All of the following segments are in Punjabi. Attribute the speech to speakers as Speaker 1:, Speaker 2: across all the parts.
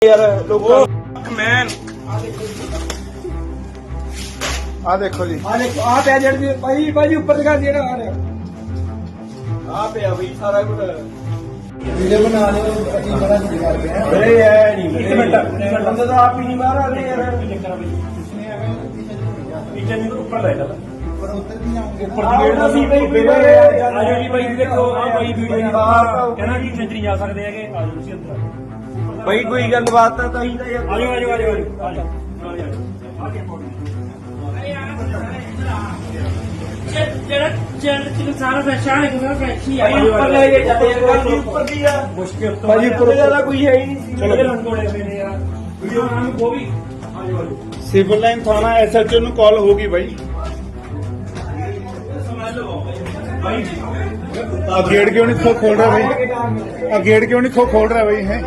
Speaker 1: यार लोगों मैन
Speaker 2: आ देखो जी
Speaker 1: आ पे जड़ भाई भाई ऊपर दिखा दिया ना आ पे भाई सारा कुछ वीडियो बना रहे हो अच्छी बड़ा दिखा रहे हैं अरे यार नहीं एक मिनट बंदा तो आप ही नहीं मार रहे यार किचन में ऊपर ले चला पर उतर नहीं आऊंगे ऊपर गेट भाई आजो जी भाई देखो आ भाई वीडियो बाहर कहना कि सेंचुरी जा सकते हैं कि आजो ਤੁਸੀਂ ਅੰਦਰ भाई कोई गलबात है तो
Speaker 3: सारा परेशान
Speaker 1: कोई है ही
Speaker 2: सिविल लाइन थाना SHO ਨੂੰ ਕਾਲ ਹੋਗੀ ਭਾਈ ਆ ਗੇਟ ਕਿਉਂ ਨਹੀਂ ਖੋਲ ਰਿਹਾ ਭਾਈ ਆ ਗੇਟ ਕਿਉਂ ਨਹੀਂ ਖੋਲ ਰਿਹਾ ਭਾਈ ਹੈ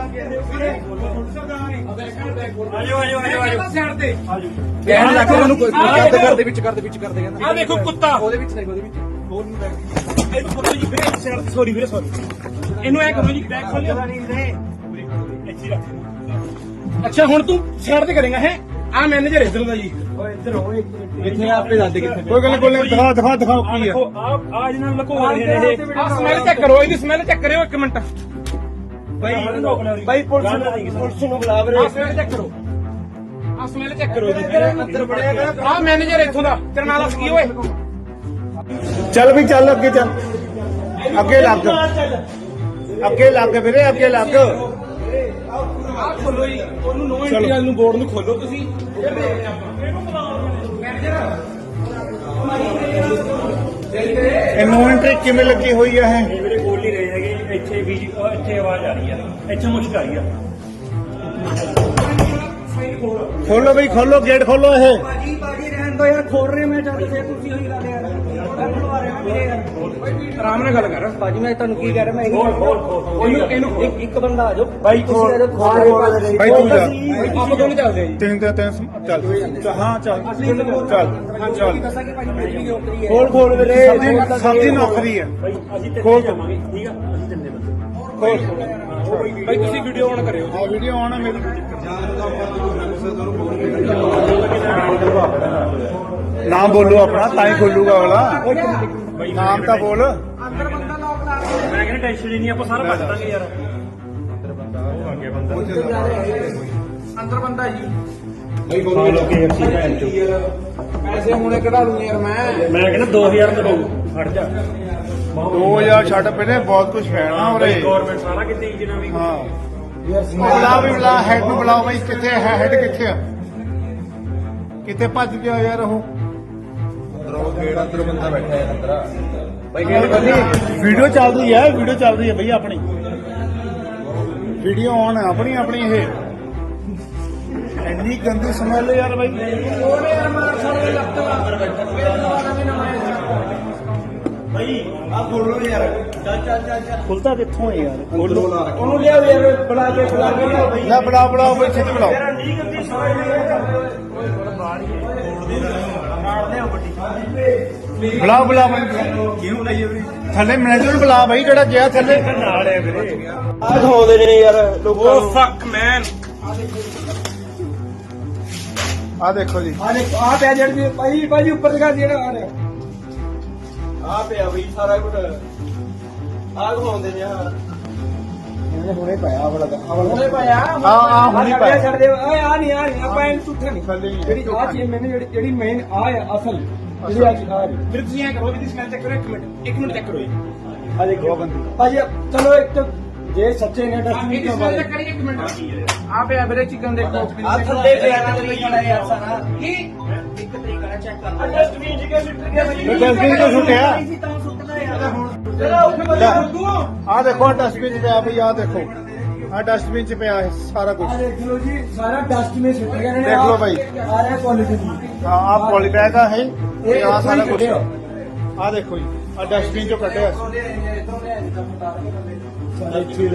Speaker 1: ਕਹਿਣ ਲੱਗ ਉਹਨੂੰ ਕੋਈ
Speaker 2: ਕਰ ਦੇ ਵਿੱਚ ਕਹਿੰਦਾ
Speaker 3: ਆ ਦੇਖੋ ਕੁੱਤਾ
Speaker 2: ਉਹਦੇ ਵਿੱਚ ਨਹੀਂ ਉਹਦੇ ਵਿੱਚ ਹੋਰ ਨੂੰ ਬੈਠ
Speaker 3: ਇਹਨੂੰ ਫੋਟੋ ਜੀ ਵੀਰੇ ਸਾਈਡ ਸੌਰੀ ਵੀਰੇ ਸੌਰੀ ਇਹਨੂੰ ਐ ਕਰੋ ਜੀ ਬੈਕ ਖੋਲਿਓ ਇੱਥੇ ਰੱਖ ਅੱਛਾ ਹੁਣ ਤੂੰ ਸਾਈਡ ਤੇ ਕਰੇਗਾ ਹੈ ਆ ਮੈਨੇਜਰ ਇੱਧਰ ਦਾ ਜੀ
Speaker 1: ਇੱਧਰ ਹੋ ਇੱਥੇ ਆਪੇ ਦੱਸ ਦੇ ਕਿੱਥੇ
Speaker 2: ਕੋਈ ਗੱਲ ਕੋਈ ਦਿਖਾ ਕੀ ਆ
Speaker 3: ਆ ਜਿਹਨਾਂ ਨੂੰ ਲੁਕੋ ਰਹੇ ਨੇ ਇਹ ਆ ਸਮੈਲ ਚੈੱਕ ਕਰੋ ਇਹਦੀ ਸਮੈਲ ਚੈੱਕ ਕਰਿਓ ਇੱਕ ਮਿੰਟ
Speaker 1: ਭਾਈ ਪੁਲਿਸ ਨੂੰ ਬੁਲਾ ਵੀਰੇ
Speaker 3: ਆ ਸਮੈਲ ਚੈੱਕ ਕਰੋ ਆ ਸਮੈਲ ਚੈੱਕ ਕਰੋ ਜੀ
Speaker 1: ਅੰਦਰ ਬੜਿਆ
Speaker 3: ਆ ਮੈਨੇਜਰ ਇੱਥੋਂ ਦਾ ਤੇਰਾ ਨਾਂ ਦੱਸ ਕੀ ਓਏ
Speaker 2: ਚੱਲ ਵੀ ਚੱਲ ਅੱਗੇ ਚੱਲ ਅੱਗੇ ਲੱਗ ਵੀਰੇ ਅੱਗੇ ਲੱਗ
Speaker 3: ਆ ਖੋਲੋ ਜੀ ਉਹਨੂੰ ਨੋ ਐਂਟਰੀ ਵਾਲ ਨੂੰ ਬੋਰਡ ਨੂੰ ਖੋਲੋ ਤੁਸੀਂ
Speaker 2: ਇਹ ਨੋ ਐਂਟਰੀ ਕਿਵੇਂ ਲੱਗੀ ਹੋਈ ਹੈ ਇਹ
Speaker 3: ਮੇਰੇ ਬੋਲ ਨਹੀਂ ਰਹੇ ਹੈਗੇ ਇੱਥੇ ਵੀ ਇੱਥੇ ਆਵਾਜ਼ ਆ ਰਹੀ ਹੈ ਇੱਥੇ ਮੁਸ਼ਕ ਆ ਰਹੀ ਹੈ
Speaker 2: ਖੋਲੋ ਬਈ ਖੋਲੋ ਗੇਟ ਖੋਲੋ ਇਹ
Speaker 1: ਬਾਜੀ ਰਹਿਣ ਦੋ ਯਾਰ ਖੋਲ ਰਹੇ ਮੈਂ ਜਦ ਫੇਰ ਤੁਸੀਂ ਉਹੀ ਗੱਲ ਯਾਰ ਖੁਲਵਾ ਰਹੇ ਮੇਰੇ ਯਾਰ
Speaker 3: ਆਰਾਮ ਨਾਲ ਗੱਲ ਕਰ
Speaker 1: ਬਾਜੀ ਮੈਂ ਤੁਹਾਨੂੰ ਕੀ ਕਹਿ ਰਿਹਾ ਮੈਂ
Speaker 3: ਇਹਨੂੰ
Speaker 1: ਇੱਕ ਬੰਦਾ ਆ ਜਾਓ
Speaker 2: ਬਾਈ
Speaker 1: ਖੋਲ
Speaker 2: ਬਾਈ ਤੂੰ ਜਾ
Speaker 3: ਆਪਾਂ ਦੋਨੇ ਚੱਲਦੇ ਆ ਜੀ
Speaker 2: ਤਿੰਨ ਚੱਲ ਹਾਂ ਚੱਲ
Speaker 1: ਦੱਸਾਂ ਕਿ ਭਾਜੀ ਮੇਰੀ ਵੀ ਨੌਕਰੀ ਹੈ
Speaker 2: ਖੋਲ ਵੀਰੇ ਸਬਜ਼ੀ ਨੌਕਰੀ ਹੈ
Speaker 3: ਭਾਈ ਅਸੀਂ ਤੇ
Speaker 2: ਖੋਲ।
Speaker 3: ਜਾਵਾਂਗੇ ਠੀਕ ਆ ਅਸੀਂ ਜੰਨੇ ਬੰਦੇ
Speaker 2: ਖੋਲ
Speaker 3: ਭਾਈ ਤੁਸੀਂ ਵੀਡੀਓ ਆਨ ਕਰਿਓ
Speaker 2: ਆ ਵੀਡੀਓ ਆਉਣਾ ਮੇਰੀ ਨਾਮ ਬੋਲੋ ਆਪਣਾ ਤਾਂ ਹੀ ਖੋਲੂਗਾ ਵਾਲਾ ਨਾਮ ਤਾਂ ਬੋਲ
Speaker 1: ਅੰਦਰ ਬੰਦਾ ਲੋਕ ਲਾ ਰਿਹਾ
Speaker 3: ਮੈਂ ਕਹਿੰਦਾ ਟੈਨਸ਼ਨ ਹੀ ਨਹੀਂ ਆਪਾਂ ਸਾਰਾ ਭੱਜ ਦਾਂਗੇ ਯਾਰ
Speaker 1: ਅੰਦਰ ਬੰਦਾ ਜੀ
Speaker 3: ਪੈਸੇ ਹੁਣੇ ਕਢਾ ਲੂੰ ਯਾਰ ਮੈਂ ਕਹਿੰਦਾ 2000 ਤੋਂ ਹਟ ਜਾ
Speaker 2: 2000 ਛੱਡ ਪਹਿਲੇ ਬਹੁਤ ਕੁਝ ਫੈਣਾ ਉਰੇ
Speaker 3: ਗਵਰਨਮੈਂਟ ਸਾਰਾ ਕਿਤੇ ਜਿਨਾ ਵੀ
Speaker 2: ਹਾਂ ਬੁਲਾ ਵੀ ਬੁਲਾ ਹੈਡ ਨੂੰ ਬੁਲਾਓ ਬਈ ਕਿੱਥੇ ਹੈ ਹੈਡ ਕਿੱਥੇ ਆ ਕਿੱਥੇ ਭੱਜ ਗਿਆ ਯਾਰ ਉਹ ਵੀਡੀਓ ਚੱਲਦੀ ਹੈ ਬਈ ਆਪਣੀ ਵੀਡੀਓ ਆਨ ਹੈ ਆਪਣੀ ਇਹ ਇੰਨੀ ਗੰਦੀ ਸਮੈਲ ਯਾਰ ਬਈ
Speaker 1: ਭਾਈ ਆ ਖੋਲੋ ਯਾਰ ਚੱਲ
Speaker 2: ਖੁੱਲਦਾ ਕਿੱਥੋਂ ਹੈ ਯਾਰ ਖੋਲੋ
Speaker 1: ਉਹਨੂੰ ਲਿਆਓ ਯਾਰ ਬੁਲਾ ਕੇ ਲਿਆਓ ਭਾਈ
Speaker 2: ਲੈ ਬੁਲਾਓ ਬਈ ਛੇਤੀ ਬੁਲਾਓ
Speaker 1: ਨਹੀਂ ਗੰਦੀ ਸਵਾਲ
Speaker 2: ਬੁਲਾ ਬਈ
Speaker 1: ਕਿਉਂ ਲਾਈਏ ਵੀਰੇ
Speaker 2: ਥੱਲੇ ਮੈਨੇਜਰ ਨੂੰ ਬੁਲਾ ਬਈ ਜਿਹੜਾ ਗਿਆ ਥੱਲੇ
Speaker 3: ਨਾਲ ਹੈ ਵੀਰੇ
Speaker 1: ਆ ਦਿਖਾਉਂਦੇ ਨੇ ਯਾਰ ਲੋਕਾਂ ਨੂੰ
Speaker 3: ਫੱਕ ਮੈਨ
Speaker 2: ਆ ਦੇਖੋ ਜੀ
Speaker 1: ਆ ਦੇਖ ਆ ਪਿਆ ਜੜ ਭਾਈ ਉੱਪਰ ਦਿਖਾ ਦਿਆ ਨਾ ਆ ਪਿਆ ਬਈ ਸਾਰਾ ਕੁਝ ਆ ਦਿਖਾਉਂਦੇ ਨੇ ਆ ਹੁਣੇ ਪਾਇਆ ਬੜਾ ਹੁਣੇ ਪਾਇਆ
Speaker 2: ਹਾਂ, ਹੁਣੇ ਪਾਇਆ।
Speaker 1: ਛੱਡ ਦੇ ਓਏ ਆ ਨਹੀਂ ਆਪਾਂ ਇਹਨੂੰ ਝੂਠਾ ਨਹੀਂ
Speaker 2: ਥੱਲੇ ਹੀ ਹੈ।
Speaker 1: ਜਿਹੜੀ ਆ ਚੀਜ਼ ਮੈਨੂੰ ਜਿਹੜੀ ਮੇਨ ਆ ਅਸਲ ਜਿਹੜੀ ਆ ਚੀਜ਼ ਆ ਰਹੀ
Speaker 3: ਫਿਰ ਤੁਸੀਂ ਐ ਕਰੋ ਵੀ ਸਮੈਲ ਚੈੱਕ ਕਰੋ ਇੱਕ ਮਿੰਟ ਚੈੱਕ ਕਰੋ ਜੀ
Speaker 1: ਆ ਦੇਖੋ ਭਾਜੀ ਚਲੋ ਇੱਕ ਤਾਂ ਜੇ ਸੱਚੇ ਨੇ
Speaker 3: ਇਹਦੀ
Speaker 1: ਡਸਟਬਿਨ
Speaker 3: ਸਮੈਲ ਚੈੱਕ ਕਰੀਏ ਇੱਕ ਮਿੰਟ ਆ ਪਿਆ ਵੀਰੇ ਚਿਕਨ ਦੇਖੋ
Speaker 1: ਆ ਥੱਲੇ ਪਿਆ ਨਾ ਲਿਖਣਾ ਯਾਰ ਸਾਰਾ
Speaker 3: ਕੀ
Speaker 1: ਇੱਕ ਤਰੀਕਾ ਨਾਲ ਚੈੱਕ ਕਰ ਡਸਟਬਿਨ ਜੀ ਕੇ ਲਿਟਰ ਗਿਆ ਭਾਈ
Speaker 2: ਡਸਟਬਿਨ ਤੋਂ ਸੁੱਟਿਆ
Speaker 1: ਤਾਂ ਸੁੱਟਣਾ ਯਾਰ ਹੁਣ ਚਲੋ ਉੱਥੇ ਬੰਦਾ ਫੁੱਦੂ
Speaker 2: ਆ ਦੇਖੋ ਡਸਟਬਿਨ ਚ ਪਿਆ ਬਈ ਆ ਦੇਖੋ ਆ ਡਸਟਬਿਨ ਚ ਪਿਆ ਇਹ ਸਾਰਾ ਕੁਝ
Speaker 1: ਆ ਦੇਖ ਲਓ ਜੀ ਸਾਰਾ ਡਸਟਬਿਨ ਸੁੱਟ ਗਿਆ ਨੇ
Speaker 2: ਦੇਖ ਲਓ ਭਾਈ।
Speaker 1: ਆ ਰਿਹਾ ਕੁਆਲਿਟੀ ਦੀ
Speaker 2: ਹਾਂ ਆ ਪੋਲੀਬੈਗ ਆ ਹੈ ਤੇ ਆ ਸਾਰਾ ਕੁਝ
Speaker 1: ਕੱਢਿਆ।
Speaker 2: ਆ ਦੇਖੋ ਜੀ ਆ ਡਸਟਬਿਨ ਚੋਂ ਕੱਢਿਆ
Speaker 1: ਇਥੋਂ ਲਿਆ ਜਿੱਦਾਂ ਫਟਾ ਕੇ ਬੰਦੇ